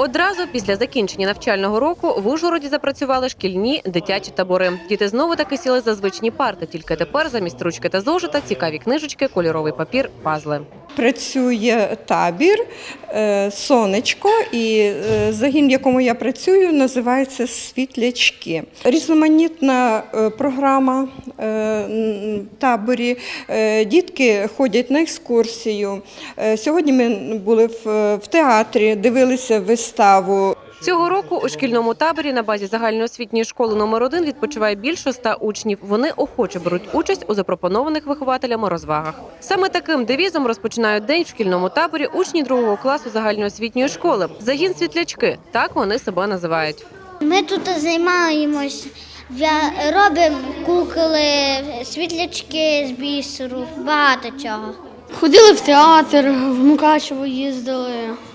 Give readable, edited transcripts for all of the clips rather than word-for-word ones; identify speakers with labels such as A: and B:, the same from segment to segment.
A: Одразу після закінчення навчального року в Ужгороді запрацювали шкільні дитячі табори. Діти знову таки сіли за звичні парти, тільки тепер замість ручки та зошита цікаві книжечки, кольоровий папір, пазли.
B: Працює табір «Сонечко» і загін, в якому я працюю, називається «Світлячки». Різноманітна програма в таборі. Дітки ходять на екскурсію. Сьогодні ми були в театрі, дивилися виставу.
A: Цього року у шкільному таборі на базі загальноосвітньої школи номер 1 відпочиває більше 100 учнів. Вони охоче беруть участь у запропонованих вихователями розвагах. Саме таким девізом розпочинають день в шкільному таборі учні 2 класу загальноосвітньої школи. Загін «Світлячки» – так вони себе називають.
C: Ми тут займаємось, робимо кукли, світлячки з бісеру, багато чого.
D: Ходили в театр, в Мукачево їздили.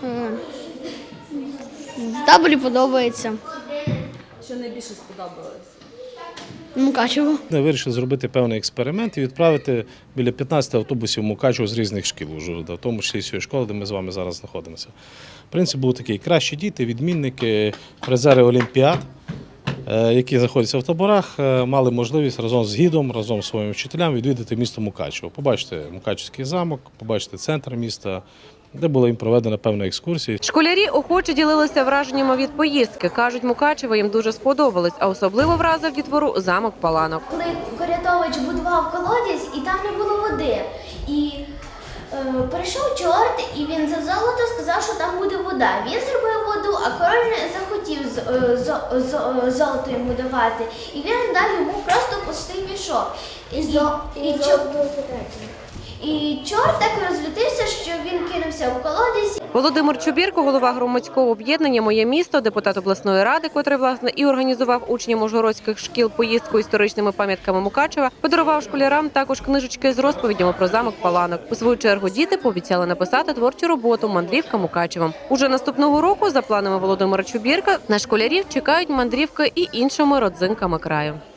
D: В таборі подобається.
A: Що найбільше сподобалось?
D: Мукачево.
E: Ми вирішили зробити певний експеримент і відправити біля 15 автобусів Мукачево з різних шкіл Ужгорода, в тому числі з цієї школи, де ми з вами зараз знаходимося. Принцип був такий: кращі діти, відмінники, призери олімпіад, які знаходяться в таборах, мали можливість разом з гідом, разом з своїми вчителями відвідати місто Мукачево, побачити Мукачевський замок, побачити центр міста, де була їм проведена певна екскурсія.
A: Школярі охоче ділилися враженнями від поїздки. Кажуть, Мукачево їм дуже сподобалось, а особливо вразив дітвору замок Паланок.
F: Коли Корятович будував колодязь, і там не було води. І прийшов чорт, і він за золото сказав, що там буде вода. Він зробив воду, а король не захотів золото йому давати. І він дав йому просто пустий мішок. І чорт так розлютився, що він кинувся у колодязь.
A: Володимир Чубірко, голова громадського об'єднання «Моє місто», депутат обласної ради, котрий, власне, і організував учням ужгородських шкіл поїздку історичними пам'ятками Мукачева, подарував школярам також книжечки з розповідями про замок Паланок. У свою чергу діти пообіцяли написати творчу роботу «Мандрівка Мукачевом». Уже наступного року, за планами Володимира Чубірка, на школярів чекають мандрівки і іншими родзинками краю.